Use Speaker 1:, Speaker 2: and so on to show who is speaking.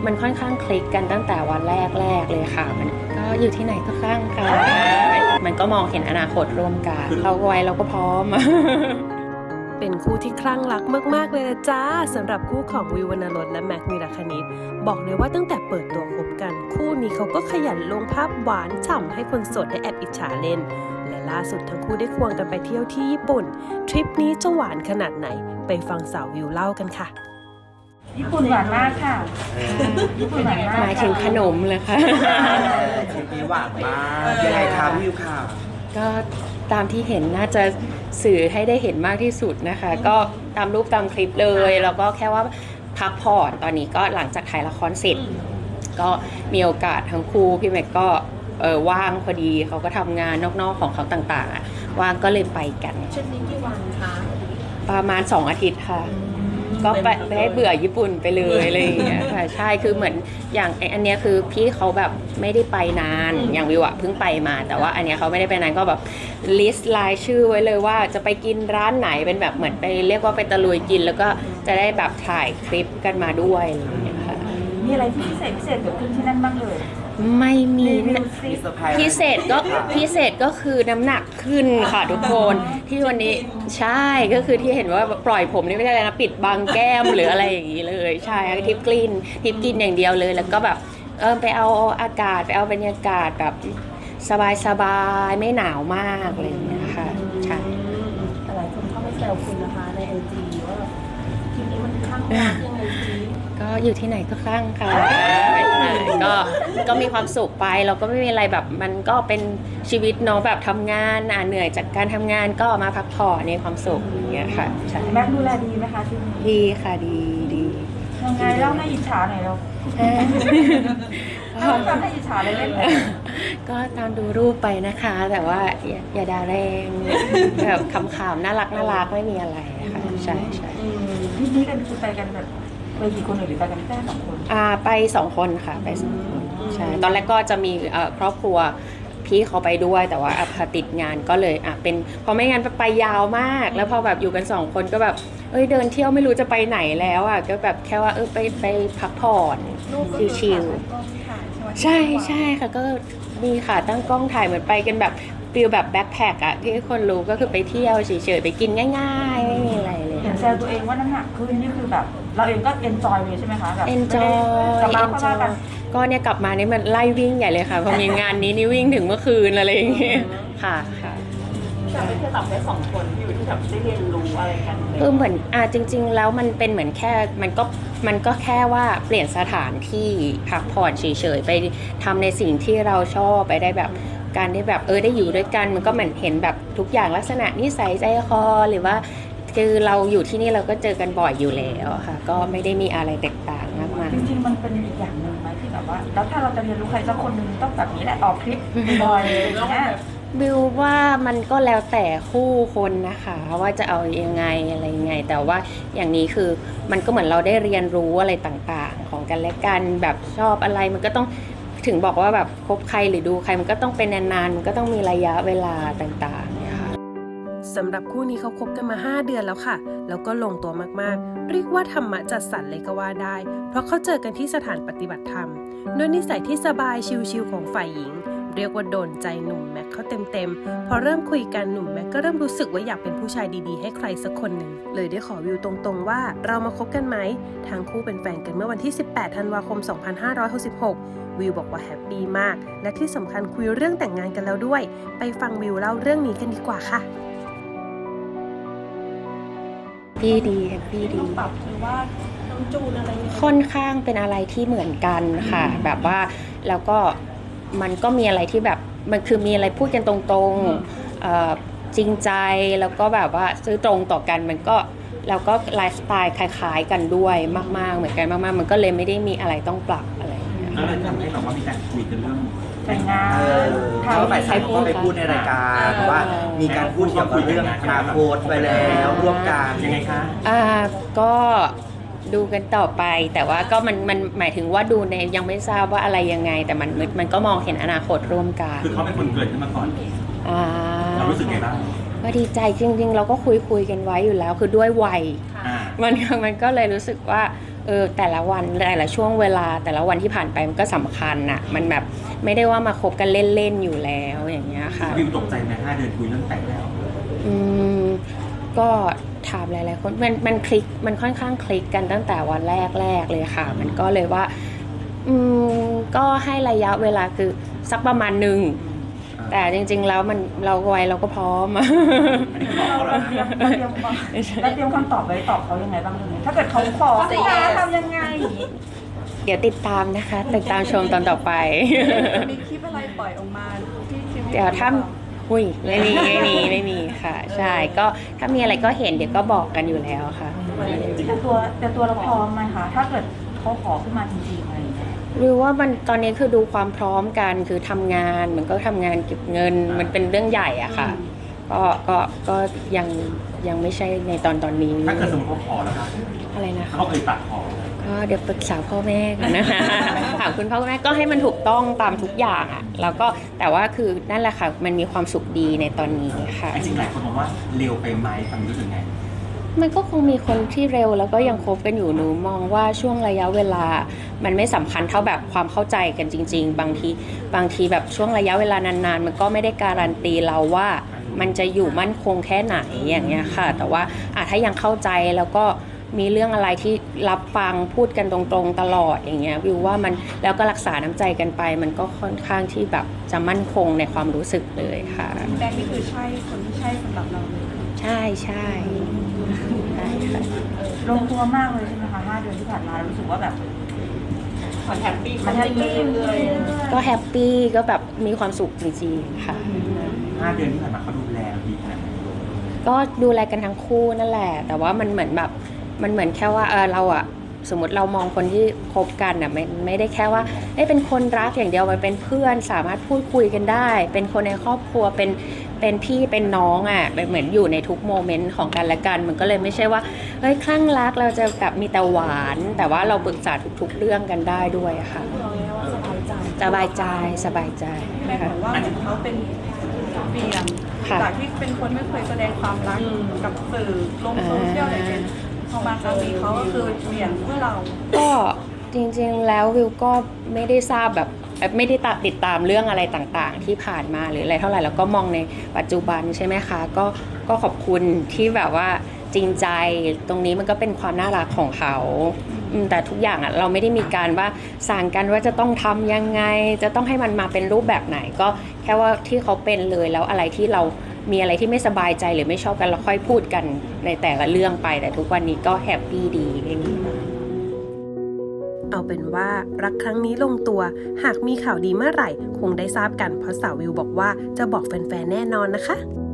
Speaker 1: มันค่อนข้างคลิกกันตั้งแต่วันแรกเลยค่ะมันก็อยู่ที่ไหนก็ข้างกันมันก็มองเห็นอนาคตร่วมกันเราไว้เราก็พร้อม
Speaker 2: เป็นคู่ที่คลั่งรักมากๆเลยนะจ้าสำหรับคู่ของวิววรรณรสและแม็กนิรคณิตบอกเลยว่าตั้งแต่เปิดตัวคบกันคู่นี้เขาก็ขยันลงภาพหวานฉ่ำให้คนโสดได้แอบอิจฉาเล่นและล่าสุดทั้งคู่ได้ควงกันไปเที่ยวที่ญี่ปุ่นทริปนี้จะหวานขนาดไหนไปฟังสาววิวเล่ากันค่ะ
Speaker 3: ญี่ปุ่นหวานมากค่ะญี่ปุ่นหวานมาก
Speaker 1: หมายถึงขนมเลยค่ะ
Speaker 4: ทริปนี้หวานมากยังไงคะพี่วิวค่ะ
Speaker 1: ก็ตามที่เห็นน่าจะสื่อให้ได้เห็นมากที่สุดนะคะ ก็ตามรูปตามคลิปเลยแล้วก็แค่ว่าพักผ่อนตอนนี้ก็หลังจากถ่ายละครเสร็จก็มีโอกาสทั้งคู่พี่แม็กก็ว่างพอดีเขาก็ทำงานนอกๆของเขาต่างๆว่างก็เลยไปกัน
Speaker 3: ชุดนี้กี่วันคะ
Speaker 1: ประมาณ2 อาทิตย์ค่ะก็ไปให้เบื่อญี่ปุ่นไปเลยอะไรอย่างเงี้ยค่ะใช่คือเหมือนอย่างอันเนี้ยคือพี่เขาแบบไม่ได้ไปนานอย่างวิวอะเพิ่งไปมาแต่ว่าอันเนี้ยเขาไม่ได้ไปนานก็แบบลิสต์รายชื่อไว้เลยว่าจะไปกินร้านไหนเป็นแบบเหมือนไปเรียกว่าไปตะลุยกินแล้วก็จะได้แบบถ่ายคลิปกันมาด้วยอะไรอย่างเงี้ยค่ะ
Speaker 3: มีอะไรที่พิเศษเกิดขึ้นที่นั่นบ้างเลย
Speaker 1: ไม่มีพิเศษก็คือน้ำหนักขึ้นค่ะทุกคนที่วันนี้ใช่ก็คือที่เห็นว่าปล่อยผมนี่ไม่ใช่อะไรนะปิดบางแก้มหรืออะไรอย่างนี้เลยใช่ทิปกินอย่างเดียวเลยแล้วก็แบบไปเอาอากาศไปเอาบรรยากาศแบบสบายไม่หนาวมากอะไรอย่างเงี้ยค่ะใช่
Speaker 3: หลายคนเข้าไปแซวคุณนะคะในไอจีว่าทีนี้มันข้างรักยังไงจี
Speaker 1: ก็อยู่ที่ไหนก็คลั่งค่ะก็มีความสุขไปเราก็ไม่มีอะไรแบบมันก็เป็นชีวิตเนาะแบบทำงานเหนื่อยจากการทำงานก็มาพักผ่อนในความสุขอย่างเงี้ยค่ะใช่
Speaker 3: แม็กดูแลดีไหมคะที่นี่
Speaker 1: ดีค่ะดี
Speaker 3: ยังไงเล่าให้อิจฉาหน่อยเราทำให้อิจฉาเลยเล่น
Speaker 1: ก็ตามดูรูปไปนะคะแต่ว่าอย่าด่าแรงแบบขำๆน่ารักไม่มีอะไรค่ะใช่
Speaker 3: ที่นี่กันคือไปกันแบบไปกี่คนหรือไปกันแค่2 คน
Speaker 1: ไป2 คนค่ะไป2 คนใช่ตอนแรกก็จะมีครอบครัวพี่เขาไปด้วยแต่ว่าพอติดงานก็เลยเป็นพอไม่งั้นไปยาวมากแล้วพอแบบอยู่กัน2 คนก็แบบเดินเที่ยวไม่รู้จะไปไหนแล้วก็แบบแค่ว่าไปพักผ่อนชิลๆใช่ค่ะก็มีค่ะตั้งกล้องถ่ายเหมือนไปกันแบบฟิลแบบแบ็คแพคที่คนรู้ก็คือไปเที่ยวเฉยๆไปกินง่ายๆไม่มีอะไรเลย
Speaker 3: เห็นแซวตัวเองว่าน้ำหนักขึ้นนี่คือแบบเราเองก็เอนจอยเลยใช่ไหมคะแบบ
Speaker 1: เอนจอยก็เนี่ยกลับมานี่มันไล่วิ่งใหญ่เลยค่ะพอมีงานนี้นี่วิ่งถึงเมื่อคืนอะไรอย่างเงี้ยค่ะ
Speaker 3: แต่ไม่ใช่แบบแค่2 คนที่อยู่ที่แบบได้เรียนรู้อะไรกัน
Speaker 1: คือเหมือนจริงๆแล้วมันเป็นเหมือนแค่มันก็แค่ว่าเปลี่ยนสถานที่พักผ่อนเฉยๆไปทำในสิ่งที่เราชอบไปได้แบบการได้แบบได้อยู่ด้วยกันมันก็เหมือนเห็นแบบทุกอย่างลักษณะนิสัยใจคอหรือว่าคือเราอยู่ที่นี่เราก็เจอกันบ่อยอยู่แล้วค่ะก็ไม่ได้มีอะไรแตกต่างมากมาย
Speaker 3: จริงๆมันเป็นอีกอย่างหนึ่งไหมที่แบบว่าแล้วถ้าเราจะเรียนรู้ใครสักคนหนึ่งต้องแบบนี้แหละออกคลิปบ่อยอย่างเงี้ย
Speaker 1: บิวว่ามันก็แล้วแต่คู่คนนะคะว่าจะเอายังไงอะไรยังไงแต่ว่าอย่างนี้คือมันก็เหมือนเราได้เรียนรู้อะไรต่างๆของกันและกันแบบชอบอะไรมันก็ต้องถึงบอกว่าแบบคบใครหรือดูใครมันก็ต้องเป็นนานๆมันก็ต้องมีระยะเวลาต่างๆเนี่ยค่ะ
Speaker 2: สำหรับคู่นี้เขาคบกันมา5 เดือนแล้วค่ะแล้วก็ลงตัวมากๆเรียกว่าธรรมะจัดสรรเลยก็ว่าได้เพราะเขาเจอกันที่สถานปฏิบัติธรรมด้วยนิสัยที่สบายชิลๆของฝ่ายหญิงเรียกว่าโดนใจหนุ่มแม็กเขาเต็มพอเริ่มคุยกันหนุ่มแม็กก็เริ่มรู้สึกว่าอยากเป็นผู้ชายดีๆให้ใครสักคนหนึ่งเลยได้ขอวิวตรงๆว่าเรามาคบกันไหมทั้งคู่เป็นแฟนกันเมื่อวันที่18 ธันวาคม 2566วิวบอกว่าแฮปปี้มากและที่สำคัญคุยเรื่องแต่งงานกันแล้วด้วยไปฟังวิวเล่าเรื่องนี้กันดีกว่าค่ะ
Speaker 1: ดีแฮปปี้ดี
Speaker 3: ปรับหรือว่าต้องจูนอะไร
Speaker 1: ค่อนข้างเป็นอะไรที่เหมือนกันค่ะแบบว่าแล้วก็มันก็มีอะไรที่แบบมันคือมีอะไรพูดกันตรงๆจริงใจแล้วก็แบบว่าซื้อตรงต่อกันมันก็แล้วก็ไลฟ์สไตล์คล้ายๆกันด้วยมากๆเหมือนกันมากๆมันก็เลยไม่ได้มีอะไรต้องปรับอะไรอย่างเงี้ย
Speaker 4: แล้วเลยทำให้แบบว่ามีการคุยกันเรื่อง
Speaker 3: แต่งงาน
Speaker 4: เขาฝ่ายชายก็ไปพูดในรายการว่ามีการพูดเกี่ยวกับเรื่องอนาคตไปแล้วร่วมกันยังไงคะ
Speaker 1: ก็ดูกันต่อไปแต่ว่าก็มันหมายถึงว่าดูในยังไม่ทราบว่าอะไรยังไงแต่มันก็มองเห็นอนาคตร่วมกัน
Speaker 4: คือเขาเป็นคนเกิดขึ้นมาก่อนเรารู้สึกไงบ้าง
Speaker 1: ก็ดีใจจริงๆเราก็คุยกันไว้อยู่แล้วคือด้วยวัยมันก็เลยรู้สึกว่าแต่ละวันแต่ละช่วงเวลาแต่ละวันที่ผ่านไปมันก็สำคัญน่ะมันแบบไม่ได้ว่ามาคบกันเล่นๆอยู่แล้วอย่างเงี้ยค่ะ
Speaker 5: วิวตกใจไหม5 เดือนคุยเรื่องแต่งแล้ว
Speaker 1: ก็ถามหลายๆคนมันคลิกมันค่อนข้างคลิกกันตั้งแต่วันแรกเลยค่ะมันก็เลยว่าก็ให้ระยะเวลาคือสักประมาณหนึ่งแต่จริงๆแล้วเราไวเราก็พร้อม
Speaker 3: เราเตรียมคำตอบไว้ตอบเขายังไงบ้างเลยถ้าเกิดเขาขอจะทำยังไง
Speaker 1: เดี๋ยวติดตามนะคะติดตามชมตอนต่อไป
Speaker 6: มีคลิปอะไรปล่อยออกมาที่คลิป
Speaker 1: เดี๋ยวถ้าไม่มีค่ะ ใช่ก็ถ้ามีอะไรก็เห็นเดี๋ยวก็บอกกันอยู่แล้วค่ะ
Speaker 3: แต่ตัวเราพร้อมไหมคะถ้าเกิดเขาขอขึ้นมาจริงๆอะไรอย่างเงี้ย
Speaker 1: หรือว่ามันตอนนี้คือดูความพร้อมกันคือทำงานมันก็ทำงานเก็บเงินมันเป็นเรื่องใหญ่อะค่ะก็ยังไม่ใช่ในตอนนี้
Speaker 5: ถ้าเกิดสมมติเขาขอแล้วครับ
Speaker 1: อะไรนะคะ
Speaker 5: เขาเคยตัดขอ
Speaker 1: ก็เดี๋ยวปรึกษาพ่อแม่กันนะคะ ถามคุณพ่อคุณแม่ก็ให้มันถูกต้องตามทุกอย่างอะแล้วก็แต่ว่าคือนั่นแหละค่ะมันมีความสุขดีในตอนนี้ค่ะ
Speaker 5: จริงๆหลายคนมองว่าเร็วไปไหมฟังรู้สึกไง
Speaker 1: มันก็คงมีคนที่เร็วแล้วก็ยังคบกันอยู่หนูมองว่าช่วงระยะเวลามันไม่สำคัญเท่าแบบความเข้าใจกันจริงๆบางทีแบบช่วงระยะเวลานานๆมันก็ไม่ได้การันตีเราว่ามันจะอยู่มั่นคงแค่ไหนอย่างเงี้ยค่ะแต่ว่าถ้ายังเข้าใจแล้วก็มีเรื่องอะไรที่รับฟังพูดกันตรงๆตลอดอย่างเงี้ยวิวว่ามันแล้วก็รักษาน้ำใจกันไปมันก็ค่อนข้างที่แบบจะมั่นคงในความรู้สึกเลยค่ะ
Speaker 6: แบงค์นี่คือใช่คนที่ใช่สำหรับเราเลย
Speaker 1: ใช่ค่ะ
Speaker 3: ลงตัวมากเลยใช่ไหมคะ5 เดือนที่ผ่านมารู้สึกว่าแบบมันแฮปปี้เลย
Speaker 1: ก็แฮปปี้ก็แบบมีความสุขจริงๆค่ะ
Speaker 5: 5 เดือนที่ผ่านมาเขาดูแลดีขนาดไหน
Speaker 1: ก็ดูแลกันทั้งคู่นั่นแหละแต่ว่ามันเหมือนแบบมันเหมือนแค่ว่าเราอะสมมติเรามองคนที่คบกันอะไม่ได้แค่ว่าเป็นคนรักอย่างเดียวมันเป็นเพื่อนสามารถพูดคุยกันได้ เป็นคนในครอบครัวเป็นพี่เป็นน้องอะเหมือนอยู่ในทุกโมเมนต์ของกันและกันมันก็เลยไม่ใช่ว่าคลั่งรักเราจะแบบมีแต่หวานแต่ว่าเราปรึกษาทุกๆเรื่องกันได้ด้วยอะค่ะ
Speaker 6: เราเรียกว่าสบายใจ
Speaker 1: สบายใจ
Speaker 6: แม่บอกว่าเหมือนเขาเป็นเปลี่ยน
Speaker 1: ค่ะ
Speaker 6: จากที่เป็นคนไม่เคยแสดงความรักกับสื่อลงโซเชียลอะไรเงี้ยพอมาครั้งนี้เขาก็คือเปลี่ยนเพื่อเรา
Speaker 1: ก็จริงๆแล้ววิวก็ไม่ได้ทราบแบบไม่ได้ติดตามเรื่องอะไรต่างๆที่ผ่านมาหรืออะไรเท่าไหร่แล้วก็มองในปัจจุบันใช่ไหมคะก็ขอบคุณที่แบบว่าจริงใจตรงนี้มันก็เป็นความน่ารักของเขาแต่ทุกอย่างอ่ะเราไม่ได้มีการว่าสั่งกันว่าจะต้องทำยังไงจะต้องให้มันมาเป็นรูปแบบไหนก็แค่ว่าที่เขาเป็นเลยแล้วอะไรที่เรามีอะไรที่ไม่สบายใจหรือไม่ชอบกันเราค่อยพูดกันในแต่ละเรื่องไปแต่ทุกวันนี้ก็แฮปปี้ดีอย่างนี้
Speaker 2: เอาเป็นว่ารักครั้งนี้ลงตัวหากมีข่าวดีเมื่อไหร่คงได้ทราบกันเพราะสาววิวบอกว่าจะบอกแฟนๆแน่นอนนะคะ